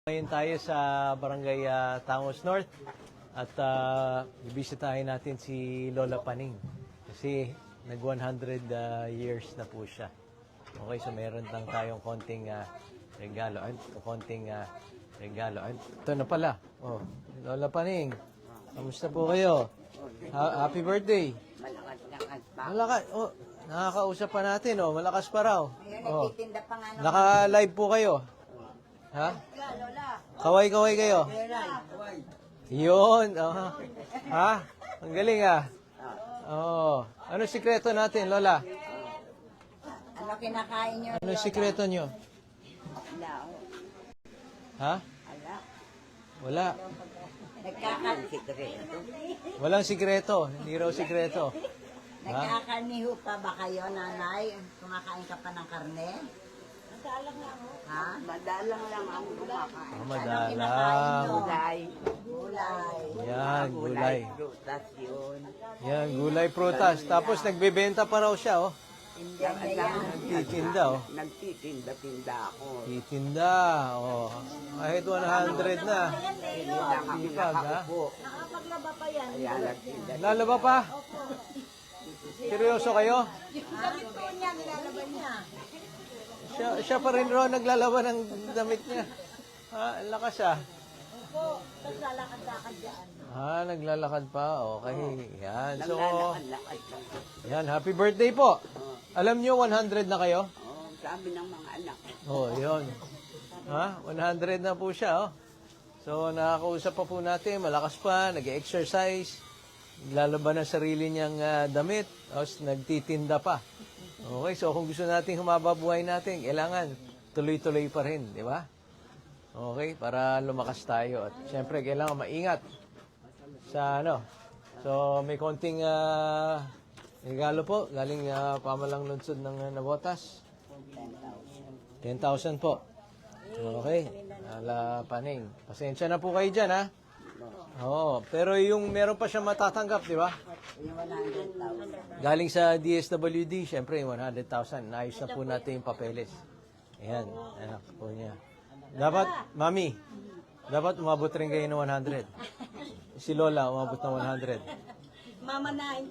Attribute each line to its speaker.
Speaker 1: Ngayon tayo sa Barangay Tangos North at ibisitahin natin si Lola Paning kasi nag 100 years na po siya. Okay, so meron lang tayong konting regalo. Ito na pala. Oh, Lola Paning, kamusta po kayo? Happy birthday. Malakas. Oh, nakakausap pa natin. Oh, malakas pa raw. Oh, naka-live po kayo. Ha? Kaway-kaway kayo? Yun. Oh. Ha? Ang galing Oh. Ano sikreto natin, Lola?
Speaker 2: Ano kinakain nyo?
Speaker 1: Ano sikreto nyo? Ha? Wala.
Speaker 2: Nagkakasikreto.
Speaker 1: Walang sikreto. Hindi raw sikreto.
Speaker 2: Nagkakaniho pa ba kayo, nanay? Kumakain ka pa ng karne? Madalang lang. Ha? Madalang lang ang kumakain.
Speaker 1: Madalang.
Speaker 2: Gulay. Gulay.
Speaker 1: Yan, gulay.
Speaker 2: Prutas yun.
Speaker 1: Yan, gulay prutas. Tapos nagbebenta pa raw siya, oh. Nagtitinda, oh.
Speaker 2: Nagtitinda-tinda ako.
Speaker 1: Titinda, oh. Kahit 100 na. Sipag, ha?
Speaker 2: Nakapaglaba pa yan. Kaya nagtinda.
Speaker 1: Lalaba pa? Seryoso kayo?
Speaker 2: Damit po niya, nilalaban niya.
Speaker 1: Siya pa rin raw naglalaba ng damit niya. Ha, ang lakas
Speaker 2: Opo, naglalakad-lakad dyan.
Speaker 1: Naglalakad pa. Okay. Yan. So,
Speaker 2: Naglalakad-lakad lang.
Speaker 1: yan. Happy birthday po. Alam nyo, 100 na kayo?
Speaker 2: Sabi ng mga anak.
Speaker 1: Yun. 100 na po siya, oh. So, nakakausap pa po natin. Malakas pa. Nag-exercise. Naglalaba ng sarili niyang damit. Tapos, nagtitinda pa. Okay, so kung gusto natin humaba buhay natin, kailangan tuloy-tuloy pa rin, di ba? Okay, para lumakas tayo. At siyempre, kailangan maingat sa So, may konting regalo po. Galing pamalang lunsod ng Navotas. 10,000 po. Okay, Lola Paning. Pasensya na po kayo dyan, ha? Oo, pero yung meron pa siyang matatanggap, di ba?
Speaker 2: Yung 100,000.
Speaker 1: Galing sa DSWD, syempre, 100,000. Naayos na po natin yung papeles. Ayan, anak po niya. Dapat, Mami, dapat umabot rin kayo ng 100. Si Lola, umabot ng 100.
Speaker 2: Mama na,